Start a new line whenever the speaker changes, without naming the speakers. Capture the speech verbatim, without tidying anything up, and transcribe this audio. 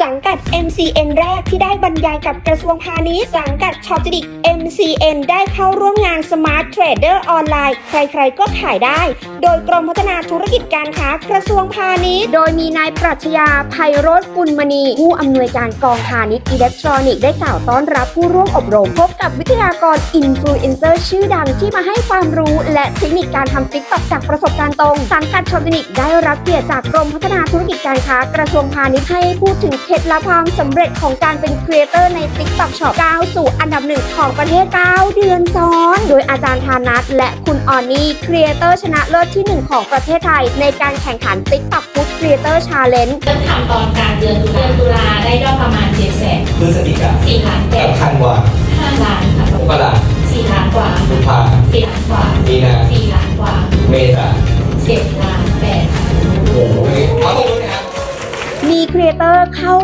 สังกัด เอ็ม ซี เอ็น แรกที่ได้บรรยายกับกระทรวงพาณิชย์สังกัดช็อปจิดิก เอ็ม ซี เอ็น ได้เข้าร่วมงาน Smart Trader ออนไลน์ใครๆก็ขายได้โดยกรมพัฒนาธุรกิจการค้ากระทรวงพาณิชย์โดยมีนายปรัชญาไพโรจน์กุลมณีผู้อำนวยการกองพาณิชย์อิเล็กทรอนิกส์ได้กล่าวต้อนรับผู้ร่วมอบรมพบกับวิทยากรอินฟลูเอนเซอร์ชื่อดังที่มาให้ความรู้และเทคนิคการทำ ติ๊กต็อก จากประสบการณ์ตรงสังกัดช็อปจิดิกได้รับเกียรติจากกรมพัฒนาธุรกิจการค้ากระทรวงพาณิชย์ให้พูดถึงเคล็ดลับความสำเร็จของการเป็นครีเอเตอร์ใน ติ๊กต็อก Shop ก้าวสู่อันดับหนึ่งของประเทศเก้าเดือนซ้อนโดยอาจารย์ธานัทและคุณออนนี่ครีเอเตอร์ชนะเลิศที่หนึ่งของประเทศไทยในการแข่งขัน ติ๊กต็อก Food Creator Challenge
เริ่มทำตอนกลางเดือนตุลาตุลาได้ยอดประมาณเจ็ดแสน
พฤศจิกา
สี่ล้านแปด
สำคัญกว่า
ห้าล้านค่ะ
มกรา
สี่ล้านกว่า
กุมภา
สี่ล้านกว่า
มีนา
สี่ล้านกว่า
เมษา
เจ็ดล้านแปด
โอ้โหขอตบมือหน่อยครับ
มีครีเอเตอร์เข้า